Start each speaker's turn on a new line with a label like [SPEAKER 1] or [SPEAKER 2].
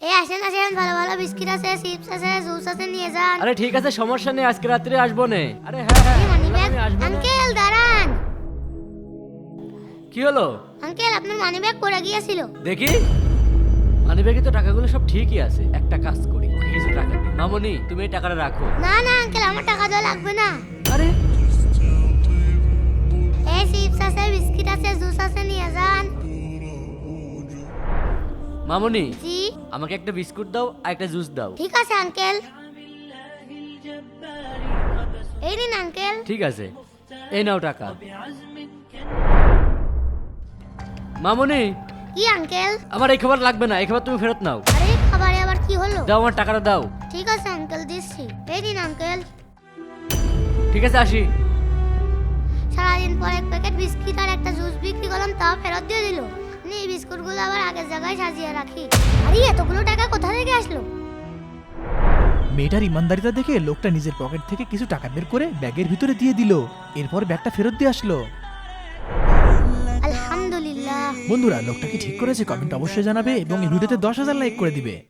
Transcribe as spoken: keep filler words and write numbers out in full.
[SPEAKER 1] এই আসেন আসেন, ভালো ভালো বিস্কিট আছে, চিপস আছে, জুস আছে, নিয়ে যান।
[SPEAKER 2] আরে ঠিক আছে, সমস্যা নেই, আজকে রাত্রে আসবো নে। আরে হ্যাঁ হ্যাঁ
[SPEAKER 1] এই মানি
[SPEAKER 2] বললাম
[SPEAKER 1] ব্যাগ,
[SPEAKER 2] আমি আসবো নে।
[SPEAKER 1] আঙ্কেল দাঁড়ান।
[SPEAKER 2] কি হলো?
[SPEAKER 1] আঙ্কেল আপনার মানি ব্যাগ পড়ে গিয়েছিল।
[SPEAKER 2] দেখি মানিব্যাগে তো টাকাগুলো সব ঠিকই আছে। একটা কাজ করি, ওকে কিছু টাকা দিই। মামনি তুমি এই টাকাটা রাখো।
[SPEAKER 1] না না আঙ্কেল, আমার টাকা দেওয়া লাগবে না।
[SPEAKER 2] আরে
[SPEAKER 1] এই চিপস আছে, বিস্কিট আছে, জুস আছে, নিয়ে যান।
[SPEAKER 2] মামনি
[SPEAKER 1] জি
[SPEAKER 2] আমাকে একটা বিস্কুট দাও আর একটা জুস দাও।
[SPEAKER 1] ঠিক আছে আঙ্কেল, এই নিন আঙ্কেল।
[SPEAKER 2] ঠিক আছে, এই নাও টাকা। মামনি
[SPEAKER 1] কি আঙ্কেল?
[SPEAKER 2] আমার এই খাবার লাগবে না, এই খাবার তুমি ফেরত নাও।
[SPEAKER 1] আরে খাবারে আবার কি হলো?
[SPEAKER 2] দাও আমার টাকাটা দাও।
[SPEAKER 1] ঠিক আছে আঙ্কেল, দিচ্ছি। এই নিন আঙ্কেল।
[SPEAKER 2] ঠিক আছে, আসি।
[SPEAKER 1] সারাদিন পর এক প্যাকেট বিস্কিট আর একটা জুস বিক্রি করলাম, তাও ফেরত দিয়ে দিল। নি বিস্কুটগুলো আবার আগের জায়গায় সাজিয়ে রাখি। আরে এতগুলো টাকা কোথা থেকে আসলো?
[SPEAKER 3] মেয়েটার ইমানদারিতা দেখে লোকটা নিজের পকেট থেকে কিছু টাকা বের করে ব্যাগের ভিতরে দিয়ে দিল। এরপর ব্যাগটা ফেরত দিয়ে আসলো।
[SPEAKER 1] আলহামদুলিল্লাহ।
[SPEAKER 3] বন্ধুরা, লোকটা কি ঠিক করেছে? কমেন্ট অবশ্যই জানাবে এবং এই ভিডিওতে দশ হাজার লাইক করে দিবে।